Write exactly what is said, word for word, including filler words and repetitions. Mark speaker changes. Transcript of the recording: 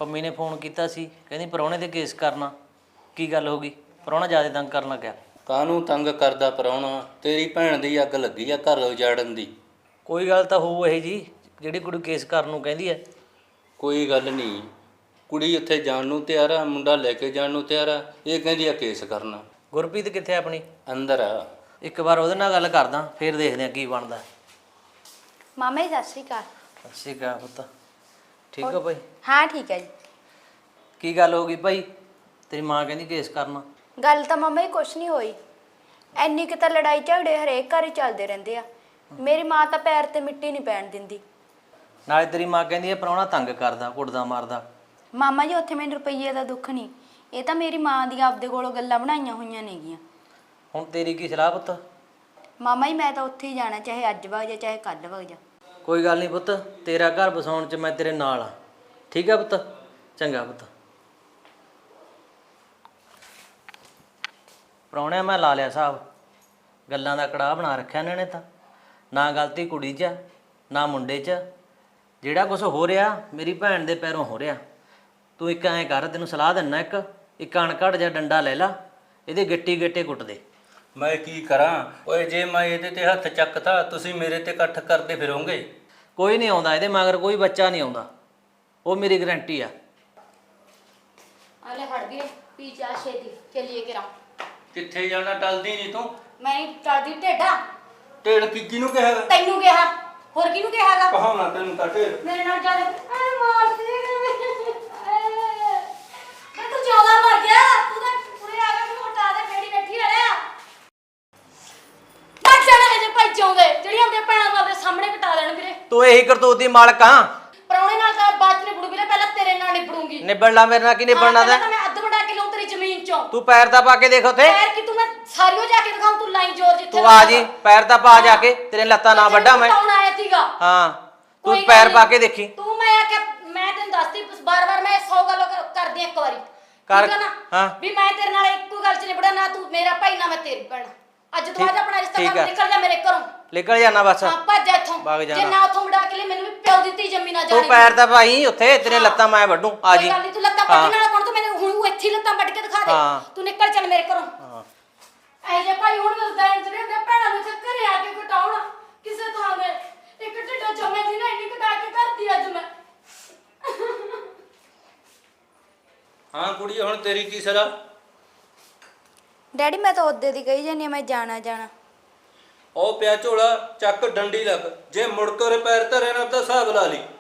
Speaker 1: ਪੰਮੀ ਨੇ ਫੋਨ ਕੀਤਾ ਸੀ, ਕਹਿੰਦੀ ਪ੍ਰਾਹੁਣੇ ਤੇ ਕੇਸ ਕਰਨਾ। ਕੀ ਗੱਲ ਹੋ ਗਈ? ਪ੍ਰਾਹੁਣਾ ਜ਼ਿਆਦਾ ਤੰਗ ਕਰਨ ਲੱਗਿਆ?
Speaker 2: ਕਾਹਨੂੰ ਤੰਗ ਕਰਦਾ ਪ੍ਰਾਹੁਣਾ? ਤੇਰੀ ਭੈਣ ਦੀ ਅੱਗ ਲੱਗੀ ਆ ਘਰ ਉਜਾੜਨ ਦੀ।
Speaker 1: ਕੋਈ ਗੱਲ ਤਾਂ ਹੋਊ ਇਹ ਜੀ ਜਿਹੜੀ ਕੁੜੀ ਕੇਸ ਕਰਨ ਨੂੰ ਕਹਿੰਦੀ ਹੈ।
Speaker 2: ਕੋਈ ਗੱਲ ਨਹੀਂ, ਕੁੜੀ ਉੱਥੇ ਜਾਣ ਨੂੰ ਤਿਆਰ ਆ, ਮੁੰਡਾ ਲੈ ਕੇ ਜਾਣ ਨੂੰ ਤਿਆਰ ਆ। ਇਹ ਕਹਿੰਦੀ ਆ ਕੇਸ ਕਰਨਾ।
Speaker 1: ਗੁਰਪ੍ਰੀਤ ਕਿੱਥੇ ਆਪਣੀ?
Speaker 2: ਅੰਦਰ ਆ।
Speaker 1: ਇੱਕ ਵਾਰ ਉਹਦੇ ਨਾਲ ਗੱਲ ਕਰਦਾ, ਫਿਰ ਦੇਖਦੇ ਆ ਕੀ ਬਣਦਾ।
Speaker 3: ਮਾਮਾ ਜੀ ਸਤਿ ਸ਼੍ਰੀ ਅਕਾਲ।
Speaker 1: ਸਤਿ ਸ਼੍ਰੀ ਅਕਾਲ ਪੁੱਤ। ਠੀਕ ਹੋ ਭਾਈ?
Speaker 3: ਹਾਂ ਠੀਕ ਹੈ ਜੀ।
Speaker 1: ਕੀ ਗੱਲ ਹੋ ਗਈ ਭਾਈ? ਤੇਰੀ ਮਾਂ ਕਹਿੰਦੀ ਕੇਸ ਕਰਨਾ।
Speaker 3: ਗੱਲ ਤਾਂ ਮਾਮਾ ਜੀ ਕੁਛ ਨਹੀਂ ਹੋਈ, ਐਨੀ ਕਿ ਤਾਂ ਲੜਾਈ ਝਗੜੇ ਹਰੇਕ ਘਰ ਹੀ ਚੱਲਦੇ ਰਹਿੰਦੇ ਆ। ਮੇਰੀ ਮਾਂ ਤਾਂ ਪੈਰ ਤੇ ਮਿੱਟੀ ਨਹੀਂ ਪੈਣ ਦਿੰਦੀ।
Speaker 1: ਨਾਲੇ ਤੇਰੀ ਮਾਂ ਕਹਿੰਦੀ ਹੈ ਪ੍ਰਾਹੁਣਾ ਤੰਗ ਕਰਦਾ, ਕੁੱਟਦਾ ਮਾਰਦਾ।
Speaker 3: ਮਾਮਾ ਜੀ ਉੱਥੇ ਮੈਨੂੰ ਰੁਪਈਏ ਦਾ ਦੁੱਖ ਨਹੀਂ, ਇਹ ਤਾਂ ਮੇਰੀ ਮਾਂ ਦੀਆਂ ਆਪਦੇ ਕੋਲੋਂ ਗੱਲਾਂ ਬਣਾਈਆਂ ਹੋਈਆਂ ਨੇਗੀਆਂ।
Speaker 1: ਹੁਣ ਤੇਰੀ ਕੀ ਸਲਾਹ ਪੁੱਤ?
Speaker 3: ਮਾਮਾ ਜੀ ਮੈਂ ਤਾਂ ਉੱਥੇ ਹੀ ਜਾਣਾ, ਚਾਹੇ ਅੱਜ ਵਗ ਜਾ ਚਾਹੇ ਕੱਲ੍ਹ ਵਗ ਜਾ।
Speaker 1: ਕੋਈ ਗੱਲ ਨਹੀਂ ਪੁੱਤ, ਤੇਰਾ ਘਰ ਬਸਾਉਣ 'ਚ ਮੈਂ ਤੇਰੇ ਨਾਲ ਆ। ਠੀਕ ਆ ਪੁੱਤ? ਚੰਗਾ ਪੁੱਤ। ਪ੍ਰਾਹੁਣਿਆਂ ਮੈਂ ਲਾ ਲਿਆ ਹਿਸਾਬ, ਗੱਲਾਂ ਦਾ ਕੜਾਹ ਬਣਾ ਰੱਖਿਆ ਇਹਨਾਂ ਨੇ ਤਾਂ। ਨਾ ਗਲਤੀ ਕੁੜੀ 'ਚ ਨਾ ਮੁੰਡੇ 'ਚ। ਜਿਹੜਾ ਕੁਛ ਹੋ ਰਿਹਾ ਮੇਰੀ ਭੈਣ ਦੇ ਪੈਰੋਂ ਹੋ ਰਿਹਾ। ਤੂੰ ਇੱਕ ਐਂ ਕਰ, ਤੈਨੂੰ ਸਲਾਹ ਦਿੰਦਾ, ਇੱਕ ਇੱਕ ਅਣਘੜ ਜਿਹਾ ਡੰਡਾ ਲੈ ਲਾ, ਇਹਦੇ ਗਿੱਟੀ ਗਿੱਟੇ ਕੁੱਟ ਦੇ।
Speaker 2: ਮੈਂ ਕੀ ਕਰਾਂ ਓਏ? ਜੇ ਮੈਂ ਇਹਦੇ ਤੇ ਹੱਥ ਚੱਕਤਾ ਤੁਸੀਂ ਮੇਰੇ ਤੇ ਇਕੱਠ ਕਰਦੇ ਫਿਰੋਗੇ।
Speaker 1: ਕੋਈ ਨਹੀਂ ਆਉਂਦਾ ਇਹਦੇ ਮਗਰ, ਕੋਈ ਬੱਚਾ ਨਹੀਂ ਆਉਂਦਾ, ਉਹ ਮੇਰੀ ਗਰੰਟੀ ਆ।
Speaker 3: ਆਲੇ ਹਟ ਗਏ ਪੀ ਜਾ ਛੇਤੀ ਚੱਲੀਏ ਕਰਾਂ।
Speaker 2: ਕਿੱਥੇ ਜਾਣਾ? ਟਲਦੀ ਨਹੀਂ ਤੂੰ।
Speaker 3: ਮੈਂ ਟਲਦੀ ਢੇਡਾ।
Speaker 2: ਢੇੜ ਕੀ ਕਿਹਨੂੰ ਕਿਹਾ?
Speaker 3: ਤੈਨੂੰ ਕਿਹਾ, ਹੋਰ ਕਿਹਨੂੰ ਕਿਹਾਗਾ?
Speaker 2: ਕਹਾਂ ਨਾ ਤੈਨੂੰ ਤਾਂ ਢੇੜ।
Speaker 3: ਮੇਰੇ ਨਾਲ ਚੱਲ। ਐ ਮਾਰ ਦੇ ਮੈਂ ਤੂੰ ਜਿਆਦਾ ਮਰ ਗਿਆ। ਤੂੰ ਤਾਂ ਪੂਰੇ ਆ ਗਿਆ, ਮੈਨੂੰ ਹਟਾ ਦੇ, ਫੇੜੀ ਬੈਠੀ ਰਹਿਆ। ਬੱਚ ਜਾਣਾ ਹੈ ਜੇ ਭਾਈ ਚਾਉਂਦੇ ਜਿਹੜੀ ਆਪਣੇ ਭੈਣਾਂ ਨੂੰ ਆਪਣੇ ਸਾਹਮਣੇ ਕਟਾ ਦੇਣ ਵੀਰੇ।
Speaker 1: ਤੂੰ ਇਹੀ ਕਰਤੂਤ ਦੀ ਮਾਲਕ ਆ।
Speaker 3: ਪਰੌਣੇ ਨਾਲ ਤਾਂ ਬਾਤ ਨਹੀਂ ਨਿਬੜੂ ਵੀਰੇ, ਪਹਿਲਾਂ ਤੇਰੇ ਨਾਲ ਨਿਬੜੂੰਗੀ।
Speaker 1: ਨਿਬੜਨਾ ਮੇਰੇ ਨਾਲ ਕੀ ਨਿਬੜਨਾ ਦਾ?
Speaker 3: ਮੈਂ ਅੱਧ ਵਡਾ ਕੇ ਲਊਂ ਤੇਰੀ ਜ਼ਮੀਨ ਚੋਂ।
Speaker 1: ਤੂੰ ਪੈਰ ਤਾਂ ਪਾ ਕੇ ਦੇਖ ਉੱਥੇ।
Speaker 3: ਪੈਰ ਕੀ ਤੂੰ ਮੈਂ ਸਾਰੀਓ ਜਾ ਕੇ ਦਿਖਾਉਂ, ਤੂੰ ਲਾਈ ਜ਼ੋਰ ਜਿੱਥੇ
Speaker 1: ਤੂੰ ਆ ਜੀ, ਪੈਰ ਤਾਂ ਪਾ ਜਾ ਕੇ, ਤੇਰੇ ਲੱਤਾਂ ਨਾ ਵੱਡਾ ਮੈਂ।
Speaker 3: ਕੌਣ ਆਇਆ ਸੀਗਾ?
Speaker 1: ਹਾਂ ਤੂੰ ਪੈਰ ਪਾ ਕੇ ਦੇਖੀ।
Speaker 3: ਤੂੰ ਮੈਂ ਆ ਕੇ ਮੈਂ ਤੈਨੂੰ ਦੱਸਦੀ ਬਾਰ-ਬਾਰ, ਮੈਂ ਸੌ ਗੱਲ ਕਰਦੀ ਇੱਕ ਵਾਰੀ।
Speaker 1: ਕਰ।
Speaker 3: ਠੀਕ ਆ ਨਾ?
Speaker 1: ਹਾਂ
Speaker 3: ਵੀ ਮੈਂ ਤੇਰੇ ਨਾਲ ਇੱਕੋ ਗੱਲ 'ਚ ਨਿਬੜਾ, ਨਾ ਤੂੰ ਮੇਰਾ ਭਾਈ ਨਾ ਮੈਂ ਤੇਰੀ ਭੈਣ। ਅੱਜ ਤੋਂ ਬਾਅਦ ਆਪਣਾ ਰਿਸ਼ਤਾ ਕਰ, ਨਿਕਲ ਜਾ ਮੇਰੇ ਘਰੋਂ।
Speaker 1: ਨਿਕਲ ਜਾਣਾ ਬਸ।
Speaker 3: ਹਾਂ ਭੱਜ ਜਾ ਇੱਥੋਂ। ਜੇ ਨਾ ਉੱਥੋਂ ਮੁੜਾ ਕੇ ਲਈ, ਮੈਨੂੰ ਵੀ ਪਿਓ ਦਿੱਤੀ ਜੰਮੀ ਨਾ ਜਾਣੀ।
Speaker 1: ਤੂੰ ਪੈਰ ਤਾਂ ਪਾਈ ਉੱਥੇ, ਤੇਰੇ ਲੱਤਾਂ ਮੈਂ ਵੱਢੂ। ਆ ਜੀ।
Speaker 3: ਕੋਈ ਗੱਲ ਨਹੀਂ, ਤੂੰ ਲੱਤਾਂ ਵੱਢਣ ਵਾਲਾ ਕੌਣ? ਤੂੰ ਮੈਨੂੰ ਹੁਣ ਇੱਥੇ ਲੱਤਾਂ ਵੱਢ ਕੇ ਦਿਖਾ ਦੇ। ਤੂੰ ਨਿਕਲ ਚੱਲ ਮੇਰੇ ਘਰੋਂ।
Speaker 1: ਹਾਂ
Speaker 3: ਐ ਜੇ ਭਾਈ ਹੁਣ ਦੱਸਦਾ ਇੰਜ ਨੇ ਆਪਣੇ ਭੈਣਾਂ ਨੂੰ ਇੱਥੇ ਘਰੇ ਆ ਕੇ ਕਟਾਉਣਾ ਕਿਸੇ ਥਾਂ ਦੇ। ਇੱਕ ਢਿੱਡਾ ਜੰਮੇ ਸੀ ਨਾ, ਇੰਨੀ ਕਟਾ ਕੇ ਕਰਦੀ ਅੱਜ ਮੈਂ।
Speaker 2: ਹਾਂ ਕੁੜੀ, ਹੁਣ ਤੇਰੀ ਕੀ ਸਲਾਹ?
Speaker 3: ਡੈਡੀ ਮੈਂ ਤਾਂ ਉਹਦੇ ਦੀ ਕਹੀ ਜਾਨੀ, ਮੈਂ ਜਾਣਾ ਜਾਣਾ।
Speaker 2: ਉਹ ਪਿਆ ਝੋਲਾ, ਚੱਕ ਡੰਡੀ ਲੱਗ। ਜੇ ਮੁੜ ਕੇ ਪੈਰ ਧਰੇ ਨਾ ਤਾਂ ਹਿਸਾਬ ਲਾ ਲਈ।